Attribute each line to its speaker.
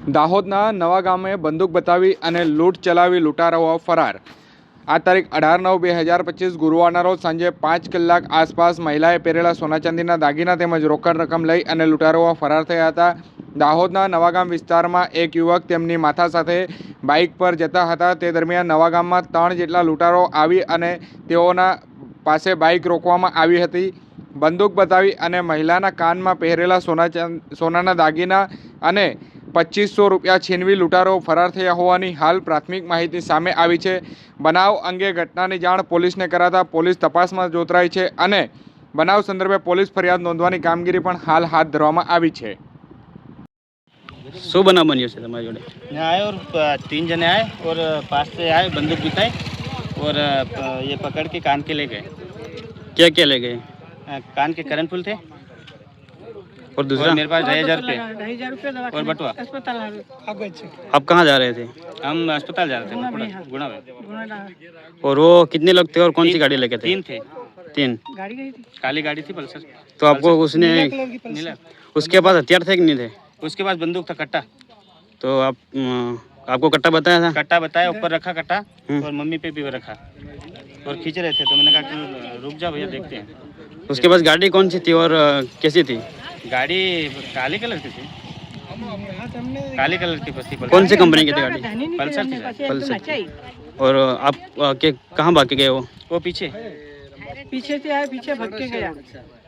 Speaker 1: દાહોદના નવા ગામે બંદૂક બતાવી અને લૂંટ ચલાવી લૂંટારાઓ ફરાર। આ તારીખ 18/9/2025 ગુરુવારના રોજ સાંજે 5 કલાક આસપાસ મહિલાએ પહેરેલા સોના ચાંદીના દાગીના તેમજ રોકડ રકમ લઈ અને લૂંટારાઓ ફરાર થયા હતા। દાહોદના નવાગામ વિસ્તારમાં એક યુવક તેમની માતા સાથે બાઇક પર જતા હતા। તે દરમિયાન નવાગામમાં 3 જેટલા લૂંટારાઓ આવી અને તેઓના પાસે બાઇક રોકવામાં આવી હતી। બંદૂક બતાવી અને મહિલાના કાનમાં પહેરેલા સોનાના દાગીના અને 2500 રૂપિયા છીનવી લૂંટારો ફરાર થયા હોવાની હાલ પ્રાથમિક માહિતી સામે આવી છે। બનાવ અંગે ઘટનાની જાણ પોલીસને કરાતા પોલીસ તપાસમાં જોતરાઈ છે અને બનાવ સંદર્ભે પોલીસ ફરિયાદ નોંધવાની કામગીરી પણ હાલ હાથ ધરવામાં આવી છે।
Speaker 2: શું બનાવ બન્યો છે તમારી જોડે?
Speaker 3: आए और 3 जने आए और पास से आए, बंदूक दिखाई और ये पकड़ के कान के ले गए।
Speaker 2: क्या क्या ले गए?
Speaker 3: कान के कर्णफूल थे
Speaker 2: और दूसरा?
Speaker 3: और मेरे पास 2,000 रुपये और बटुआ।
Speaker 2: आप कहाँ जा रहे थे?
Speaker 3: हम अस्पताल जा रहे थे गुणा में।
Speaker 2: और वो कितने लोग थे और कौन सी गाड़ी लेके थे?
Speaker 3: 3 थे।
Speaker 2: 3?
Speaker 3: काली गाड़ी थी पल्सर।
Speaker 2: तो आपको उसने
Speaker 3: नीला।
Speaker 2: उसके पास हथियार थे कि नहीं थे?
Speaker 3: उसके पास बंदूक था, कट्टा।
Speaker 2: तो आपको कट्टा बताया था?
Speaker 3: कट्टा बताया, ऊपर रखा कट्टा और मम्मी पे भी रखा और खींच रहे थे। तो मैंने कहा कि रुक जाओ भैया, देखते हैं।
Speaker 2: उसके पास गाड़ी कौन सी थी और कैसी थी?
Speaker 3: गाड़ी काली कलर की थी, काली कलर की बस थी।
Speaker 2: कौन सी कंपनी की थी गाड़ी?
Speaker 3: पल्सर थी सर।
Speaker 2: पल्सर। और आप के कहाँ भाग के गए वो?
Speaker 3: वो पीछे
Speaker 4: पीछे से आया, पीछे भाग के गया।